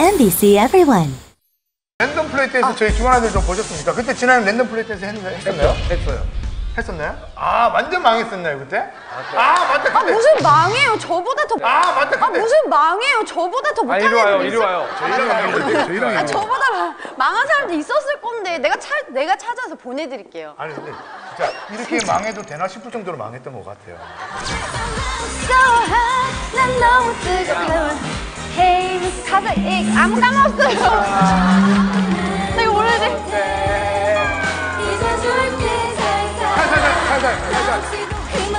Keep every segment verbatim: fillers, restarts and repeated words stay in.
엠비씨 everyone. 랜덤 플레이 댄스 아. 저희 중환아들 좀 보셨습니까? 그때 지난해 랜덤 플레이 댄스 했, 했었나요? 했어요. 했었나요? 아 완전 망했었나요 그때? 아, 아 맞다 그때. 아 무슨 망해요? 저보다 더. 아 맞다 그때. 아 무슨 망해요? 저보다 더 못하는 애들. 아 이리 와요, 이리 와요. 저희랑 해요. 저희랑 해요. 아 저보다 마, 망한 사람도 있었을 건데 내가 차 내가 찾아서 보내드릴게요. 아니 근데 진짜 이렇게 망해도 되나 싶을 정도로 망했던 것 같아요. So hot, 난 너무 뜨거워. Hey, 가사 이 아무 까먹었어요. 나 이거 몰라야 돼. 살살 살살 살살.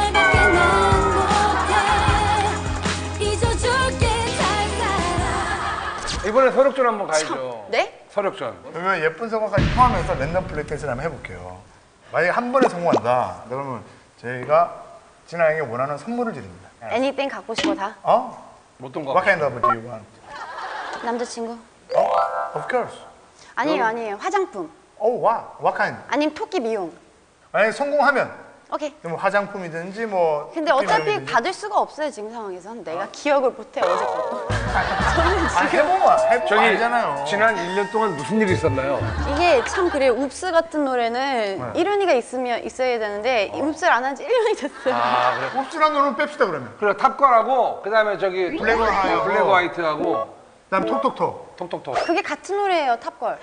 이번에 서력전 한번 가야죠. 네? 서력전. 그러면 예쁜 성과까지 포함해서 랜덤 플레이 댄스를 한번 해볼게요. 만약에 한 번에 성공한다. 그러면 저희가 진아에게 원하는 선물을 드립니다. Anything 갖고 싶어 다. 어? 어떤 거? What kind of do you want? 남자친구? 어? Of course. 아니에요, 아니에요. 화장품. Oh, what? What kind? 아니면 토끼 미용. 만약에 성공하면 오케이. 뭐 화장품이든지 뭐. 근데 어차피 미용이든지. 받을 수가 없어요 지금 상황에선. 내가 기억을 못해 어제 것도. 아 해보면 해보면 저기 알잖아요. 지난 일 년 동안 무슨 일이 있었나요? 이게 참 그래요. 웁스 같은 노래는 네. 이룬이가 있으면 있어야 되는데 어. 웁스를 안 한 지 일 년이 됐어요. 아 그래. 옵스란 노래는 뺍시다 그러면. 그래 탑걸하고 그다음에 저기 블랙 앤 화이트. 블랙 앤 화이트하고 그다음 톡톡톡. 톡톡톡. 그게 같은 노래예요, 탑걸.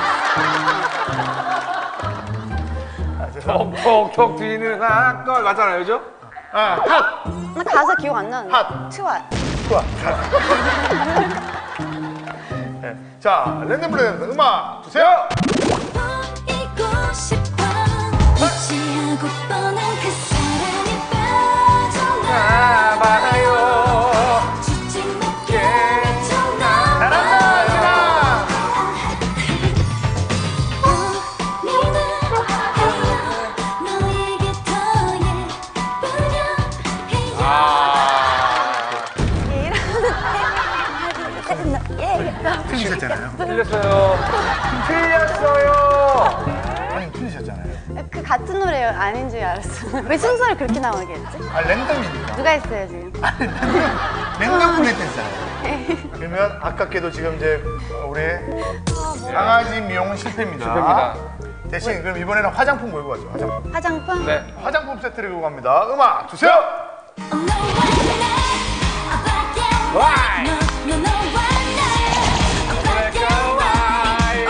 톡톡톡 뒤는 핫걸 맞잖아요, 그죠? 아 핫. 나 가사 기억 안 나는데. 핫. 트와. 좋아. 네. 자 랜덤 플레이 댄스 음악 주세요. 보이고 싶어 무지하고 뻔한 그 사랑에 빠져나봐요 주책 높게 잘한다 진아. 우리는 해요 너에게 더 예쁘려 해요 아. 틀리셨잖아요. 틀렸어요. 틀렸어요. 아니 틀리셨잖아요. 그 같은 노래예요. 아닌 줄 알았어. 왜 순서를 그렇게 나오게 했지? 아 랜덤이니까. 누가 했어요 지금? 랜덤 플레이 댄스잖아요. 그러면 아깝게도 지금 이제 우리 강아지 미용은 실패입니다. 실패입니다. 대신 그럼 이번에는 화장품 몰고 가죠. 화장품. 화장품? 네. 화장품 세트를 들고 갑니다. 음악 주세요. 와이. No, no, why not? Black and white.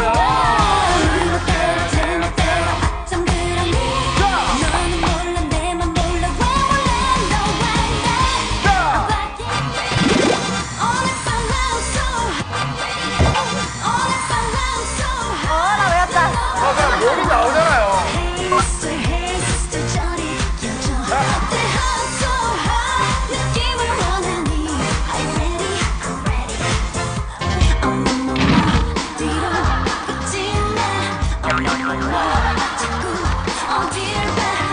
정그러니 너는 몰라 내만 몰라 왜 몰라 No, why not? All if I love so All if I love so 어, 나 외웠다. 아 그냥 목이 나오잖아요. Hey sister, hey sister 저리 비켜줘 내 heart so hot 느낌을 원하니 Are you ready? I'm ready Oh no no no 뒤로 붙지 마 Oh no no no 자꾸 어디를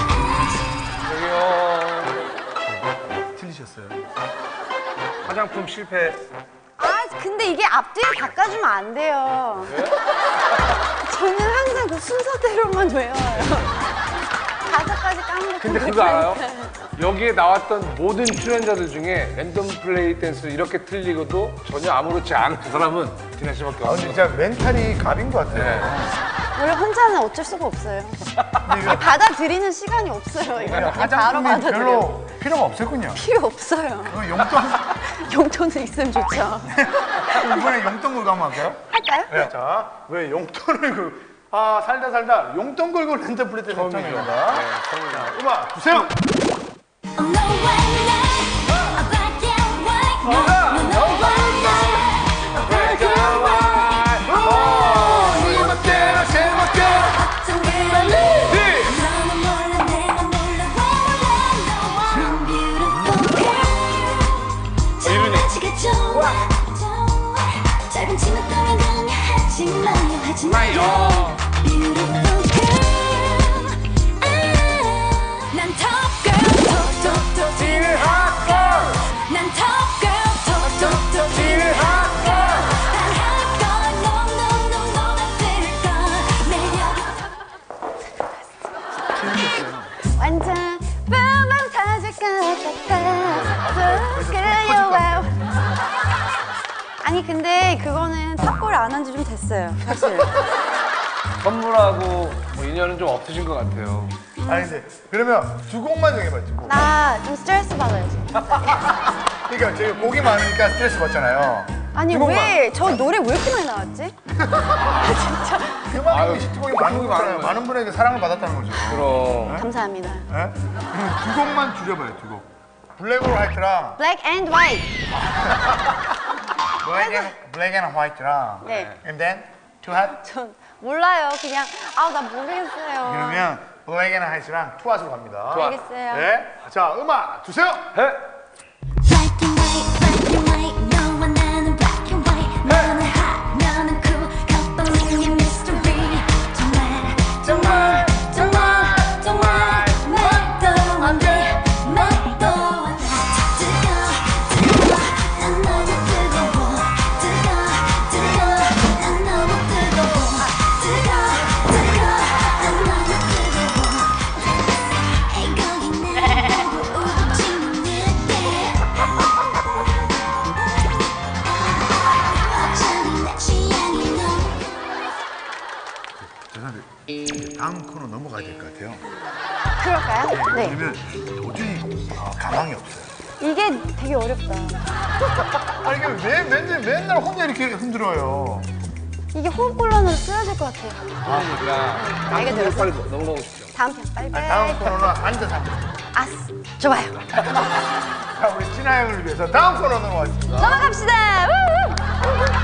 봐 여기요. 틀리셨어요. 화장품 실패. 아, 근데 이게 앞뒤를 바꿔주면 안 돼요. 저는 항상 그 순서대로만 외워요. 가사까지 까먹고. 근데 그거 알아요? 여기에 나왔던 모든 출연자들 중에 랜덤 플레이 댄스 이렇게 틀리고도 전혀 아무렇지 않은 사람은 디나 씨밖에 아 근데 없어요. 진짜 멘탈이 갑인 것 같아요. 네. 원래 혼자는 어쩔 수가 없어요. 이게 받아들이는 시간이 없어요. 이거 그냥 바로 화장품이 받아들여요. 별로 필요가 없었군요. 필요 없어요. 그럼 용돈 용돈은 있으면 좋죠. 이번에 용돈 걸고 한번 할까요? 할까요? 네. 자, 왜 용돈을 그 아 살다 살다 용돈 걸고 랜덤 플레이 댄스 처음이죠. 처음입니다. 네, 처음이죠. 자, 음악 주세요. Oh no why not? Black and white No no no why not? Black and white 오, 제멋대로 제멋대로. 정그러니 너는 몰라 내가 몰라 왜 몰라 No beautiful girl 장난치가 좋아 좋아 짧은 치마 따라가며 하지 마요 하지 마요 Beautiful girl 아, 난 top girl top top top 딜 핫걸. 난 top girl top top top 딜 핫걸. 난 hot girl no no no no 난 들걸 매력이 완전 뿜빵 터질 것 같아. 끌려와. 아니 근데 그거는 탑골 안 한 지 좀 됐어요 사실. 선물하고 뭐 인연은 좀 없으신 것 같아요. 아니 근데 그러면 두 곡만 정해봐 두 곡. 나 좀 스트레스 받아요 진짜. 그러니까 저희 곡이 많으니까 스트레스 받잖아요. 아니 두 곡만. 왜 저 노래 왜 이렇게 많이 나왔지? 그만큼 아유, 히트곡이 많은 히트곡이 거잖아요. 많은 많은 분에게 사랑을 받았다는 거죠. 그럼. 감사합니다. 예? 그럼 두 곡만 줄여봐요 두 곡. 블랙 올 화이트랑 Black and White. 블랙 앤 블랙 앤 화이트랑 네. and then two hot. 전 몰라요. 그냥 아우 나 모르겠어요. 그러면 블랙 앤 화이트랑 투 핫으로 갑니다. 투 핫. 알겠어요. 네. 자 음악 주세요. 해. Black and white, black and white. 너와 나는 black and white. 너는 hot, 나는 cool. 겉보는 이 mystery. 정말, 정말, 정말, 정말 말도 안 돼, 말도 안 돼. 뜨거워, 뜨거워, 난 너무 뜨거워. 뜨거워, 뜨거워, 난 너무 뜨거워. 뜨거워, 뜨거워, 난 너무 뜨거워. Hey, 거기 날 보고 웃지 못해. 어쩌니 내 취향이 너무 죄송한데 다음 코너 넘어가야 될 것 같아요. 그럴까요? 네. 왜냐면 도저히 어, 가망이 없어요. 이게 되게 어렵다. 아니 이게 왜 맨날 맨날 혼자 이렇게 흔들어요. 이게 호흡곤란으로 쓰여질 것 같아요. 그러니까 알게 한국으로 들었어. 빨리 넘어가고 싶죠. 다음 편 빨리 아니, 빨리. 다음 코너는 앉아서 하겠습니다. 아스 좋아요. 자 우리 진아 형을 위해서 다음 코너 넘어가겠습니다. 넘어갑시다. 우우.